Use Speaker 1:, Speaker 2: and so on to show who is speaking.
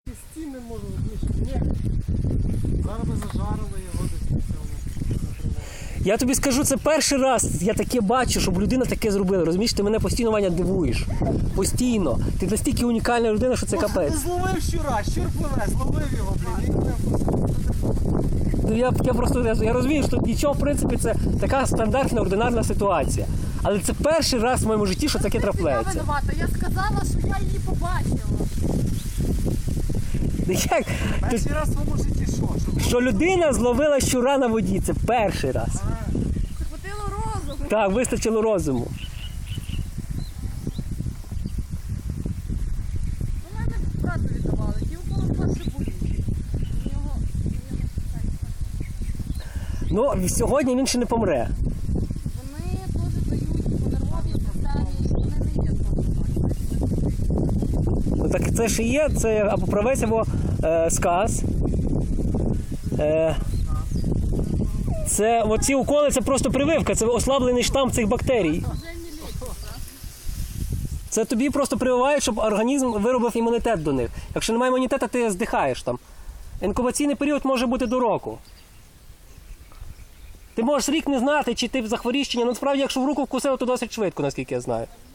Speaker 1: Стіни можу одніше. Ні. Зараз би зажарили його десь на цьому.
Speaker 2: Я тобі скажу, це перший раз я таке бачу, щоб людина таке зробила. Розумієш, ти мене постійно, Ваня, дивуєш. Постійно. Ти настільки унікальна людина, що це капець.
Speaker 1: Зловив щура, щур пливе, зловив його, блін.
Speaker 2: Ну, я розумію, що нічого, в принципі, це така стандартна, ординарна ситуація. Але це перший раз в моєму житті, що таке
Speaker 3: Я
Speaker 2: трапляється.
Speaker 3: винувата, я сказала, що я її побачила.
Speaker 2: Як?
Speaker 1: Перший раз в своєму житті що?
Speaker 2: Що людина зловила щура на воді, це перший раз.
Speaker 3: Це хватило розуму.
Speaker 2: Так, вистачило розуму.
Speaker 3: У мене брату віддавали, ті уколи перше боліли. У нього...
Speaker 2: Ну, сьогодні він ще не помре.
Speaker 3: Вони теж дають по нервовій системі, вони не є
Speaker 2: Ну, так це ж і є, це або правець, або сказ. Це оці уколи, це просто прививка, це ослаблений штам цих бактерій. Це тобі просто прививають, щоб організм виробив імунітет до них. Якщо немає імунітету, ти здихаєш там. Інкубаційний період може бути до року. Ти можеш рік не знати, чи ти захворієш, чи ні. Ну, насправді, якщо в руку вкусило, то досить швидко, наскільки я знаю.